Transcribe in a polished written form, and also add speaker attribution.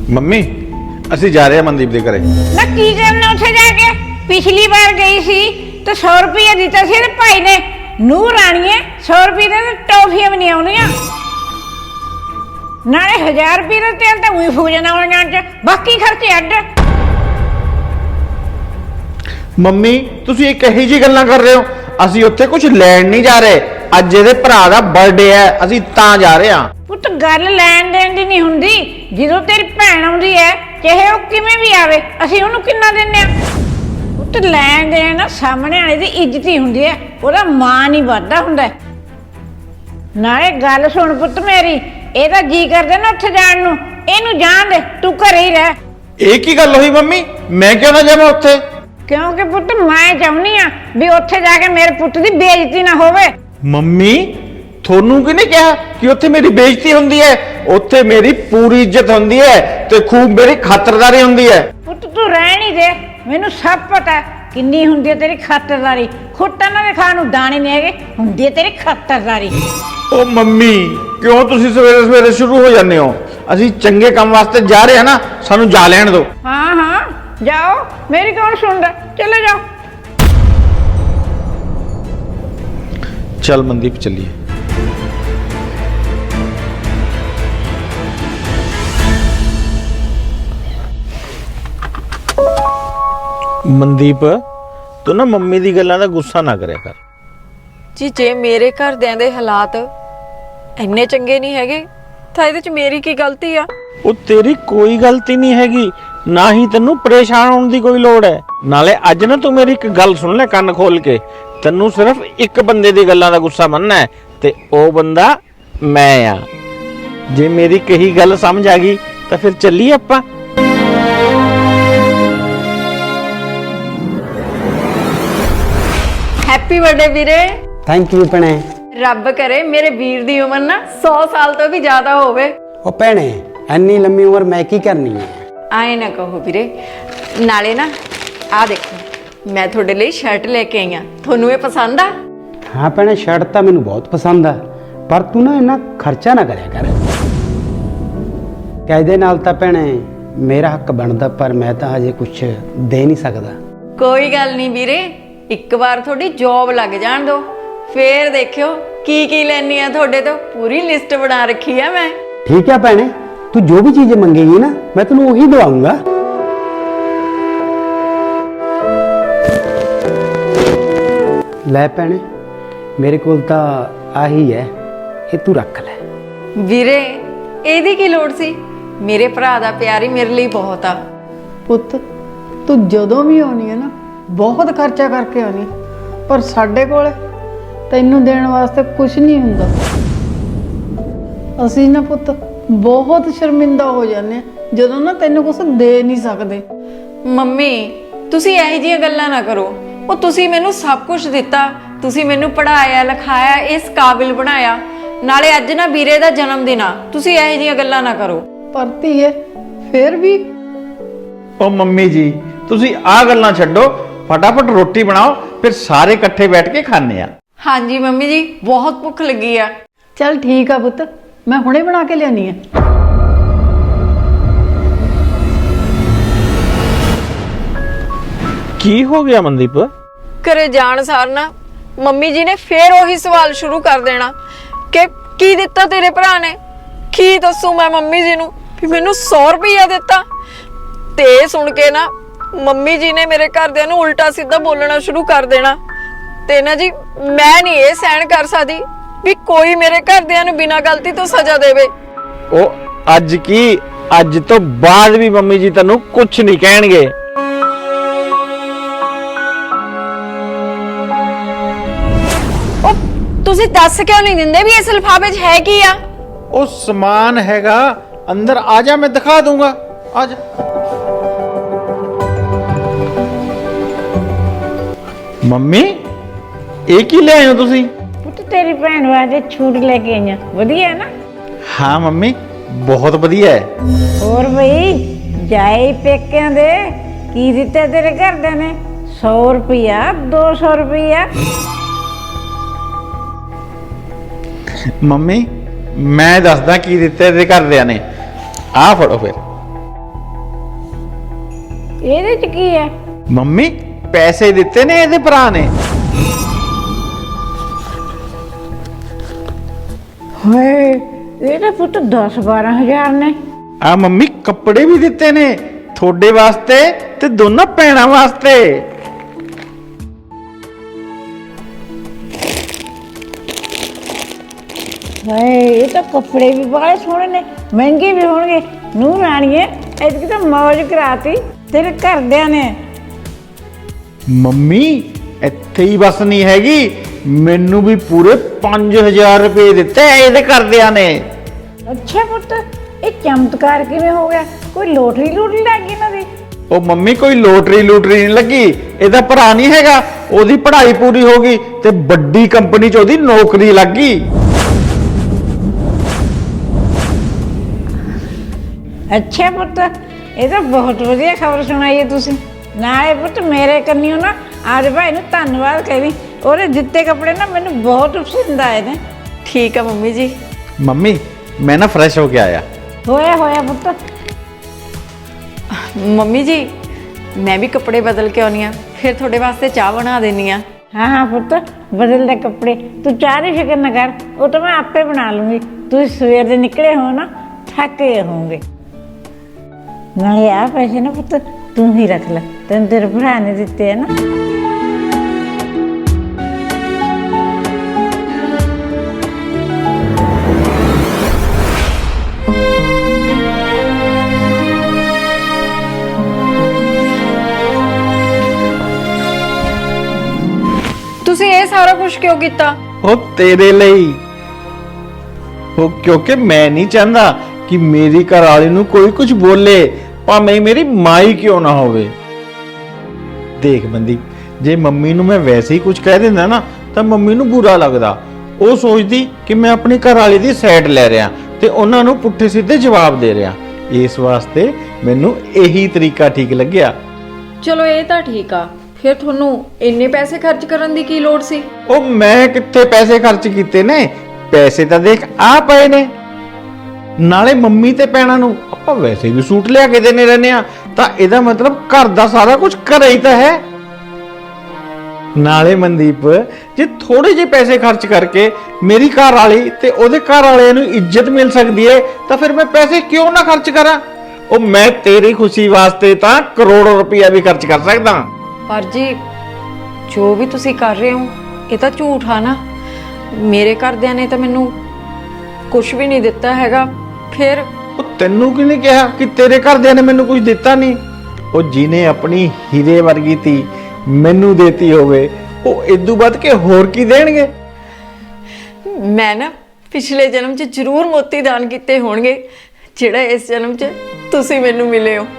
Speaker 1: Mummy ਅਸੀਂ ਜਾ ਰਹੇ ਹਾਂ ਮਨਦੀਪ ਦੇ ਘਰੇ।
Speaker 2: ਨਾ ਕੀ ਕਰਨਾ ਉੱਥੇ ਜਾ ਕੇ? ਪਿਛਲੀ ਵਾਰ ਗਈ ਸੀ ਤੇ 100 ਰੁਪਏ ਦਿੱਤਾ ਸੀ ਤੇ ਭਾਈ ਨੇ ਨੂਰ ਰਾਣੀਏ 100 ਰੁਪਏ ਦੇ ਟੌਫੀਆਂ ਵੀ ਨਹੀਂ ਆਉਣੀਆਂ, ਨਾਲੇ 1000 ਰੁਪਏ ਦਾ ਤੇਲ ਤਾਂ ਉਹੀ ਫੂਕ ਜਾਣਾ ਉਹਨਾਂ ਚ, ਬਾਕੀ ਖਰਚੇ ਅੱਡ।
Speaker 1: ਮੰਮੀ ਤੁਸੀਂ ਇਹ ਕਹੀ ਜੀ ਗੱਲਾਂ ਕਰ ਰਹੇ ਹੋ? ਅਸੀਂ ਉੱਥੇ ਕੁਝ ਲੈਣ ਨਹੀਂ ਜਾ ਰਹੇ, ਅੱਜ ਇਹਦੇ ਭਰਾ ਦਾ ਬਰਥਡੇ ਹੈ, ਅਸੀਂ ਤਾਂ ਜਾ ਰਹੇ ਹਾਂ।
Speaker 2: ਪੁੱਤ ਗੱਲ ਲੈਣ ਦੇਣ ਦੀ ਨਹੀਂ ਹੁੰਦੀ, ਜਦੋਂ ਤੇਰੀ ਭੈਣ ਆਉਂਦੀ ਹੈ ਚਾਹੇ ਉਹ ਕਿਵੇਂ ਵੀ ਆਵੇ ਅਸੀਂ ਉਹਨੂੰ ਕਿੰਨਾ ਦਿੰਨੇ ਆ। ਪੁੱਤ ਲੈਣ ਦੇਣ ਸਾਹਮਣੇ ਵਾਲੇ ਦੀ ਇੱਜ਼ਤ ਹੀ ਹੁੰਦੀ ਹੈ, ਉਹਦਾ ਮਾਣ ਹੀ ਵੱਧਦਾ ਹੁੰਦਾ। ਨਾਲੇ ਗੱਲ ਸੁਣ ਪੁੱਤ ਮੇਰੀ, ਇਹਦਾ ਜੀ ਕਰਦਾ ਨਾ ਉੱਥੇ ਜਾਣ ਨੂੰ, ਇਹਨੂੰ ਜਾਣ ਦੇ, ਤੂੰ ਘਰੇ ਹੀ ਰਹਿ।
Speaker 1: ਇਹ ਕੀ ਗੱਲ ਹੋਈ ਮੰਮੀ, ਮੈਂ ਕਿਉਂ ਨਾ ਜਾਵਾਂ ਉੱਥੇ?
Speaker 2: ਕਿਉਂਕਿ ਪੁੱਤ ਮੈਂ ਚਾਹੁੰਦੀ ਆ ਵੀ ਉੱਥੇ ਜਾ ਕੇ ਮੇਰੇ ਪੁੱਤ ਦੀ ਬੇਇੱਜ਼ਤੀ ਨਾ ਹੋਵੇ।
Speaker 1: ਮੰਮੀ ਤੁਹਾਨੂੰ ਕਿਹਨੇ ਕਿਹਾ ਕਿ ਉੱਥੇ ਮੇਰੀ ਬੇਇੱਜ਼ਤੀ ਹੁੰਦੀ ਹੈ? ਉੱਥੇ ਮੇਰੀ ਪੂਰੀ ਇੱਜ਼ਤ ਹੁੰਦੀ ਹੈ ਤੇ ਖੂਬ ਮੇਰੀ ਖਾਤਰਦਾਰੀ ਹੁੰਦੀ ਹੈ।
Speaker 2: ਪੁੱਤ ਤੂੰ ਰਹਿਣ ਹੀ ਦੇ, ਮੈਨੂੰ ਸਭ ਪਤਾ ਕਿੰਨੀ ਹੁੰਦੀ ਹੈ ਤੇਰੀ ਖਾਤਰਦਾਰੀ। ਖੁੱਟਾਂ ਨਾਲ ਖਾਣ ਨੂੰ ਦਾਣੇ ਨਹੀਂ ਹੈਗੇ, ਹੁੰਦੀ ਹੈ ਤੇਰੀ ਖਾਤਰਦਾਰੀ।
Speaker 1: ਓ ਮੰਮੀ ਕਿਉਂ ਤੁਸੀਂ ਸਵੇਰੇ ਸਵੇਰੇ ਸ਼ੁਰੂ ਹੋ ਜਾਂਦੇ ਹੋ? ਅਸੀਂ ਚੰਗੇ ਕੰਮ ਵਾਸਤੇ ਜਾ ਰਹੇ ਹਾਂ ਨਾ, ਸਾਨੂੰ ਜਾ ਲੈਣ ਦਿਓ।
Speaker 2: ਹਾਂ ਹਾਂ ਜਾਓ, ਮੇਰੀ ਕੌਣ ਸੁਣਦਾ, ਚਲੇ ਜਾਓ।
Speaker 1: ਚੱਲ ਮਨਦੀਪ ਚੱਲੀਏ। ਮਨਦੀਪ ਤੂੰ ਨਾ ਮੰਮੀ ਦੀ ਗੱਲਾਂ ਦਾ ਗੁੱਸਾ ਨਾ ਕਰਿਆ ਕਰ
Speaker 3: ਜੀ। ਜੇ ਮੇਰੇ ਘਰਦਿਆਂ ਦੇ ਹਾਲਾਤ ਇੰਨੇ ਚੰਗੇ ਨਹੀਂ ਹੈਗੇ ਤਾਂ ਇਹਦੇ 'ਚ ਮੇਰੀ ਕੀ ਗਲਤੀ ਆ?
Speaker 1: ਉਹ ਤੇਰੀ ਕੋਈ ਗਲਤੀ ਨਹੀਂ ਹੈਗੀ, ਨਾ ਹੀ ਤੈਨੂੰ ਪਰੇਸ਼ਾਨ ਹੋਣ ਦੀ ਕੋਈ ਲੋੜ ਹੈ। ਨਾਲੇ ਅੱਜ ਨਾ ਤੂੰ ਮੇਰੀ ਇੱਕ ਗੱਲ ਸੁਣ ਲੈ ਕੰਨ ਖੋਲ ਕੇ, ਤੈਨੂੰ ਸਿਰਫ ਇੱਕ ਬੰਦੇ ਦੀ ਗੱਲਾਂ ਦਾ ਗੁੱਸਾ ਮੰਨਣਾ ਹੈ ਤੇ ਉਹ ਬੰਦਾ ਮੈਂ ਆ। ਜੇ ਮੇਰੀ ਕਹੀ ਗੱਲ ਸਮਝ ਆ ਗਈ ਤਾਂ ਫਿਰ ਚੱਲੀਏ ਆਪਾਂ।
Speaker 3: ਹੈਪੀ ਬਰਥਡੇ ਵੀਰੇ।
Speaker 4: ਥੈਂਕ ਯੂ ਭੈਣੇ।
Speaker 3: ਰੱਬ ਕਰੇ ਮੇਰੇ ਵੀਰ ਦੀ ਉਮਰ ਨਾ 100 ਸਾਲ ਤੋਂ ਵੀ ਜ਼ਿਆਦਾ ਹੋਵੇ।
Speaker 4: ਉਹ ਭੈਣੇ ਇੰਨੀ ਲੰਮੀ ਉਮਰ ਮੈਂ ਕੀ ਕਰਨੀ ਹੈ?
Speaker 3: ਆਏ ਨਾ ਕਹੋ ਵੀਰੇ। ਨਾਲੇ ਨਾ ਆ ਦੇਖੋ ਮੈਂ ਤੁਹਾਡੇ ਲਈ ਸ਼ਰਟ ਲੈ ਕੇ ਆਈ ਆ, ਤੁਹਾਨੂੰ ਇਹ ਪਸੰਦ ਆ?
Speaker 4: ਹਾਂ ਭੈਣੇ ਸ਼ਰਟ ਤਾਂ ਮੈਨੂੰ ਬਹੁਤ ਪਸੰਦ ਆ, ਪਰ ਤੂੰ ਨਾ ਇੰਨਾ ਖਰਚਾ ਨਾ ਕਰਿਆ ਕਰ। ਕਾਇਦੇ ਨਾਲ ਤਾਂ ਭੈਣੇ ਮੇਰਾ ਹੱਕ ਬਣਦਾ, ਪਰ ਮੈਂ ਤਾਂ ਹਜੇ ਕੁਝ ਦੇ ਨਹੀਂ ਸਕਦਾ।
Speaker 3: ਕੋਈ ਗੱਲ ਨਹੀਂ ਵੀਰੇ, ਇੱਕ ਵਾਰ ਤੁਹਾਡੀ ਜੌਬ ਲੱਗ ਜਾਣ ਦਿਓ, ਫੇਰ ਦੇਖਿਓ ਕੀ ਕੀ ਲੈਣੀ ਆ ਤੁਹਾਡੇ ਤੋਂ। ਪੂਰੀ ਲਿਸਟ ਬਣਾ ਰੱਖੀ ਆ ਮੈਂ।
Speaker 4: ਠੀਕ ਹੈ ਭੈਣੇ, ਤੂੰ ਜੋ ਵੀ ਚੀਜ਼ ਮੰਗੇਗੀ ਨਾ ਮੈਂ ਤੈਨੂੰ ਉਹੀ ਦਵਾਉਂਗਾ। ਲੈ ਭੈਣੇ ਮੇਰੇ ਕੋਲ ਤਾਂ ਆਹੀ ਹੈ, ਇਹ ਤੂੰ ਰੱਖ ਲੈ।
Speaker 3: ਵੀਰੇ ਇਹਦੀ ਕੀ ਲੋੜ ਸੀ? ਮੇਰੇ ਭਰਾ ਦਾ ਪਿਆਰ ਹੀ ਮੇਰੇ ਲਈ ਬਹੁਤ ਆ।
Speaker 5: ਪੁੱਤ ਤੂੰ ਜਦੋਂ ਵੀ ਆਉਣੀ ਹੈ ਨਾ ਬਹੁਤ ਖਰਚਾ ਕਰਕੇ ਆਉਣੀ, ਪਰ ਸਾਡੇ ਕੋਲ ਤੈਨੂੰ ਦੇਣ ਵਾਸਤੇ ਕੁਝ ਨਹੀਂ ਹੁੰਦਾ। ਅਸੀਂ ਨਾ ਪੁੱਤ ਬਹੁਤ ਸ਼ਰਮਿੰਦਾ ਹੋ ਜਾਂਦੇ ਹਾਂ ਜਦੋਂ ਨਾ ਤੈਨੂੰ ਕੁਝ ਦੇ ਨਹੀਂ ਸਕਦੇ।
Speaker 3: ਮੰਮੀ ਤੁਸੀਂ ਇਹੋ ਜਿਹੀਆਂ ਗੱਲਾਂ ਨਾ ਕਰੋ। ਉਹ ਤੁਸੀਂ ਮੈਨੂੰ ਸਭ ਕੁਝ ਦਿੱਤਾ, ਤੁਸੀਂ ਮੈਨੂੰ ਪੜ੍ਹਾਇਆ ਲਿਖਾਇਆ, ਇਸ ਕਾਬਿਲ ਬਣਾਇਆ। ਨਾਲੇ ਅੱਜ ਨਾ ਵੀਰੇ ਦਾ ਜਨਮ ਦਿਨ ਆ, ਤੁਸੀਂ ਇਹੋ ਜਿਹੀਆਂ ਗੱਲਾਂ ਨਾ ਕਰੋ।
Speaker 5: ਪਰ ਧੀਏ ਫਿਰ ਵੀ
Speaker 1: ਉਹ ਮੰਮੀ ਜੀ ਤੁਸੀਂ ਆਹ ਗੱਲਾਂ ਛੱਡੋ, ਫਟਾਫਟ ਰੋਟੀ ਬਣਾਓ, ਫਿਰ ਸਾਰੇ ਇਕੱਠੇ ਬੈਠ ਕੇ ਖਾਣੇ ਆ।
Speaker 3: ਹਾਂਜੀ ਮੰਮੀ ਜੀ ਬਹੁਤ ਭੁੱਖ ਲੱਗੀ ਆ।
Speaker 5: ਚੱਲ ਠੀਕ ਆ ਪੁੱਤ, ਮੈਂ ਹੁਣੇ ਬਣਾ ਕੇ ਲਿਆਉਣੀ ਆ।
Speaker 1: ਕੀ ਹੋ ਗਿਆ ਮਨਦੀਪ?
Speaker 3: ਘਰੇ ਜਾਣ ਸਾਰ ਨਾ ਮੰਮੀ ਜੀ ਨੇ ਫੇਰ ਉਹੀ ਸਵਾਲ ਸ਼ੁਰੂ ਕਰ ਦੇਣਾ ਕਿ ਕੀ ਦਿੱਤਾ ਤੇਰੇ ਭਰਾ ਨੇ। ਕੀ ਦੱਸੂ ਮੈਂ ਮੰਮੀ ਜੀ ਨੂੰ ਵੀ ਮੈਨੂੰ 100 ਰੁਪਇਆ ਦਿੱਤਾ? ਤੇ ਇਹ ਸੁਣ ਕੇ ਨਾ ਮੰਮੀ ਜੀ ਨੇ ਮੇਰੇ ਘਰਦਿਆਂ ਨੂੰ ਉਲਟਾ ਸਿੱਧਾ ਬੋਲਣਾ ਸ਼ੁਰੂ ਕਰ ਦੇਣਾ। ਤੇ ਨਾ ਜੀ ਮੈਂ ਨਹੀਂ ਇਹ ਸਹਿਣ ਕਰ ਸਕਦੀ ਵੀ ਕੋਈ ਮੇਰੇ ਘਰਦਿਆਂ ਨੂੰ ਬਿਨਾਂ ਗਲਤੀ ਤੋਂ ਸਜ਼ਾ ਦੇਵੇ।
Speaker 1: ਉਹ ਅੱਜ ਕੀ, ਅੱਜ ਤੋਂ ਬਾਅਦ ਵੀ ਮੰਮੀ ਜੀ ਤੈਨੂੰ ਕੁਝ ਨਹੀਂ ਕਹਿਣਗੇ।
Speaker 3: ਉਹ ਤੁਸੀਂ ਦੱਸ ਕਿਉਂ ਨਹੀਂ ਦਿੰਦੇ ਵੀ ਇਸ ਲਿਫਾਫੇ 'ਚ ਹੈ ਕੀ ਆ?
Speaker 1: ਉਹ ਸਮਾਨ ਹੈਗਾ ਅੰਦਰ, ਆ ਜਾ ਮੈਂ ਦਿਖਾ ਦੂੰਗਾ, ਆ ਜਾ। ਮੰਮੀ ਇਹ ਕੀ ਲੈ ਆਏ ਹੋ ਤੁਸੀਂ?
Speaker 2: ਪੁੱਤ ਤੇਰੀ ਭੈਣ ਵਾਸਤੇ ਛੂਟ ਲੈ ਕੇ ਆਈਆਂ, ਵਧੀਆ ਨਾ?
Speaker 1: ਹਾਂ ਮੰਮੀ ਬਹੁਤ ਵਧੀਆ ਹੈ।
Speaker 2: ਹੋਰ ਬਈ ਜਾਏ ਪੇਕਿਆਂ ਦੇ ਕੀ ਦਿੱਤਾ ਤੇਰੇ ਘਰਦਿਆਂ ਨੇ? 100 ਰੁਪਇਆ 200 ਰੁਪਇਆ?
Speaker 1: ਮੰਮੀ ਮੈਂ ਦੱਸਦਾ ਕੀ ਦਿੱਤਾ ਇਹਦੇ ਘਰਦਿਆਂ ਨੇ। ਆਹ ਫੜੋ ਫਿਰ।
Speaker 2: ਇਹਦੇ ਚ ਕੀ ਹੈ?
Speaker 1: ਮੰਮੀ ਪੈਸੇ ਦਿੱਤੇ ਨੇ ਇਹਦੇ ਭਰਾ ਨੇ।
Speaker 2: ਹਾਏ ਇਹ ਤਾਂ ਪੁੱਤ 10-12 ਹਜ਼ਾਰ ਨੇ।
Speaker 1: ਆ ਮੰਮੀ ਕੱਪੜੇ ਵੀ ਦਿੱਤੇ ਨੇ ਤੁਹਾਡੇ ਵਾਸਤੇ ਤੇ ਦੋਨਾਂ ਭੈਣਾਂ ਵਾਸਤੇ।
Speaker 2: ਹਾਏ ਇਹ ਤਾਂ ਕੱਪੜੇ ਵੀ ਬੜੇ ਸੋਹਣੇ ਨੇ, ਮਹਿੰਗੇ ਵੀ ਹੋਣਗੇ। ਨੂੰਹ ਰਾਣੀਏ ਐਤਕੀ ਤਾਂ ਮੌਜ ਕਰਾਤੀ ਤੇਰੇ ਘਰਦਿਆਂ ਨੇ।
Speaker 1: ਮੰਮੀ ਇੱਥੇ ਹੀ ਬਸ ਨਹੀਂ ਹੈਗੀ, ਮੈਨੂੰ ਵੀ ਪੂਰੇ 5000 ਰੁਪਏ ਦਿੱਤੇ ਇਹਦੇ ਘਰਦਿਆਂ ਨੇ।
Speaker 2: ਅੱਛਾ ਪੁੱਤ ਇਹ ਚਮਤਕਾਰ ਕਿਵੇਂ ਹੋ ਗਿਆ? ਕੋਈ ਲੋਟਰੀ ਲੱਗ ਗਈ ਨਾ ਦੀ?
Speaker 1: ਉਹ ਮੰਮੀ ਕੋਈ ਲੋਟਰੀ ਨਹੀਂ ਲੱਗੀ, ਇਹਦਾ ਭਰਾ ਨਹੀਂ ਹੈਗਾ, ਉਹਦੀ ਪੜ੍ਹਾਈ ਪੂਰੀ ਹੋ ਗਈ ਤੇ ਵੱਡੀ ਕੰਪਨੀ 'ਚ ਉਹਦੀ ਨੌਕਰੀ ਲੱਗ ਗਈ।
Speaker 2: ਅੱਛਾ ਪੁੱਤ ਇਹ ਤਾਂ ਬਹੁਤ ਵਧੀਆ ਖਬਰ ਸੁਣਾਈ ਹੈ ਤੁਸੀਂ। ਨਾਲੇ ਪੁੱਤ ਮੇਰੇ ਕੰਨਿਓ ਨਾ ਆਜ ਭਾਈ ਨੂੰ ਧੰਨਵਾਦ ਕਹਿ, ਉਹਦੇ ਦਿੱਤੇ ਕੱਪੜੇ ਨਾ ਮੈਨੂੰ ਬਹੁਤ ਪਸੰਦ ਆਏ ਨੇ।
Speaker 3: ਠੀਕ ਆ ਮੰਮੀ ਜੀ।
Speaker 1: ਮੰਮੀ ਮੈਂ ਨਾ ਫਰੈਸ਼ ਹੋ ਕੇ ਆਇਆ।
Speaker 2: ਹੋਇਆ ਪੁੱਤ।
Speaker 3: ਮੰਮੀ ਜੀ ਮੈਂ ਵੀ ਕੱਪੜੇ ਬਦਲ ਕੇ ਆਉਣੀ ਆ, ਫਿਰ ਤੁਹਾਡੇ ਵਾਸਤੇ ਚਾਹ ਬਣਾ ਦੇਣੀ ਆ।
Speaker 2: ਹਾਂ ਪੁੱਤ ਬਦਲ ਲੈ ਕੱਪੜੇ, ਤੂੰ ਚਾਹ ਦੀ ਫਿਕਰ ਨਾ ਕਰ, ਉਹ ਤਾਂ ਮੈਂ ਆਪੇ ਬਣਾ ਲੂੰਗੀ। ਤੁਸੀਂ ਸਵੇਰ ਦੇ ਨਿਕਲੇ ਹੋ ਨਾ, ਥੱਕੇ ਹੋਵੋਗੇ। ਨਾਲੇ ਆ ਪੈਸੇ ਨਾ ਪੁੱਤ ਤੂੰ ਹੀ ਰੱਖ ਲੈ, ਤੈਨੂੰ ਤੇਰੇ ਭਰਾ ਨੇ ਦਿੱਤੇ ਹੈ ਨਾ।
Speaker 3: ਤੁਸੀਂ ਇਹ ਸਾਰਾ ਕੁਝ ਕਿਉਂ ਕੀਤਾ?
Speaker 1: ਉਹ ਤੇਰੇ ਲਈ, ਉਹ ਕਿਉਂਕਿ ਮੈਂ ਨਹੀਂ ਚਾਹੁੰਦਾ ਕਿ ਮੇਰੀ ਘਰ ਵਾਲੀ ਨੂੰ ਕੋਈ ਕੁਝ ਬੋਲੇ, ਭਾਵੇਂ ਮੇਰੀ ਮਾਂ ਹੀ ਕਿਉਂ ਨਾ ਹੋਵੇ। ਦੇਖ ਬੰਦੀ, ਜੇ ਮੰਮੀ ਨੂੰ ਮੈਂ ਵੈਸੇ ਹੀ ਕੁਝ ਕਹਿ ਦਿੰਦਾ ਨਾ ਤਾਂ ਮੰਮੀ ਨੂੰ ਬੁਰਾ ਲੱਗਦਾ। ਉਹ ਸੋਚਦੀ ਕਿ ਮੈਂ ਆਪਣੀ ਘਰ ਵਾਲੀ ਦੀ ਸਾਈਡ ਲੈ ਰਿਹਾ ਤੇ ਉਹਨਾਂ ਨੂੰ ਪੁੱਠੇ ਸਿੱਧੇ ਜਵਾਬ ਦੇ ਰਿਹਾ। ਇਸ ਵਾਸਤੇ ਮੈਨੂੰ ਇਹੀ ਤਰੀਕਾ ਠੀਕ ਲੱਗਿਆ।
Speaker 3: ਚਲੋ ਇਹ ਤਾਂ ਠੀਕ ਆ, ਫਿਰ ਤੁਹਾਨੂੰ ਇੰਨੇ ਪੈਸੇ ਖਰਚ ਕਰਨ ਦੀ ਕੀ ਲੋੜ ਸੀ?
Speaker 1: ਉਹ ਮੈਂ ਕਿੱਥੇ ਪੈਸੇ ਖਰਚ ਕੀਤੇ ਨੇ, ਪੈਸੇ ਤਾਂ ਦੇਖ ਆ ਪਏ ਨੇ। ਨਾਲੇ ਮੰਮੀ ਤੇ ਭੈਣਾਂ ਨੂੰ ਆਪਾਂ ਵੈਸੇ ਵੀ ਸੂਟ ਲਿਆ ਕੇ ਦੇਣੇ ਰਹਿੰਦੇ ਆ, ਤਾਂ ਇਹਦਾ ਮਤਲਬ ਘਰ ਦਾ ਸਾਰਾ ਕੁਝ ਘਰੇ ਹੀ ਤਾਂ ਹੈ। ਨਾਲੇ ਮਨਦੀਪ, ਜੇ ਥੋੜੇ ਜਿਹੇ ਪੈਸੇ ਖਰਚ ਕਰਕੇ ਮੇਰੀ ਘਰ ਵਾਲੀ ਤੇ ਉਹਦੇ ਘਰ ਵਾਲਿਆਂ ਨੂੰ ਇੱਜ਼ਤ ਮਿਲ ਸਕਦੀ ਹੈ ਤਾਂ ਫਿਰ ਮੈਂ ਪੈਸੇ ਕਿਉਂ ਨਾ ਖਰਚ ਕਰਾਂ। ਉਹ ਮੈਂ ਤੇਰੀ ਖੁਸ਼ੀ ਵਾਸਤੇ ਤਾਂ ਕਰੋੜਾਂ ਰੁਪਇਆ ਵੀ ਖਰਚ ਕਰ ਸਕਦਾ।
Speaker 3: ਪਰ ਜੀ ਜੋ ਵੀ ਤੁਸੀਂ ਕਰ ਰਹੇ ਹੋ ਇਹ ਤਾਂ ਝੂਠ ਆ ਨਾ। ਮੇਰੇ ਘਰਦਿਆਂ ਨੇ ਤਾਂ ਮੈਨੂੰ ਕੁਝ ਵੀ ਨਹੀਂ ਦਿੱਤਾ ਹੈਗਾ। ਫਿਰ
Speaker 1: ਉਹ ਤੈਨੂੰ ਕਿਹਨੇ ਕਿਹਾ ਕਿ ਤੇਰੇ ਘਰਦਿਆਂ ਨੇ ਮੈਨੂੰ ਕੁਝ ਦਿੱਤਾ ਨਹੀਂ? ਉਹ ਜਿਹਨੇ ਆਪਣੀ ਹੀਰੇ ਵਰਗੀ ਧੀ ਮੈਨੂੰ ਦੇਤੀ ਹੋਵੇ, ਉਹ ਇਦੋਂ ਵੱਧ ਕੇ ਹੋਰ ਕੀ ਦੇਣਗੇ।
Speaker 3: ਮੈਂ ਨਾ ਪਿਛਲੇ ਜਨਮ 'ਚ ਜ਼ਰੂਰ ਮੋਤੀ ਦਾਨ ਕੀਤੇ ਹੋਣਗੇ, ਜਿਹੜਾ ਇਸ ਜਨਮ 'ਚ ਤੁਸੀਂ ਮੈਨੂੰ ਮਿਲੇ ਹੋ।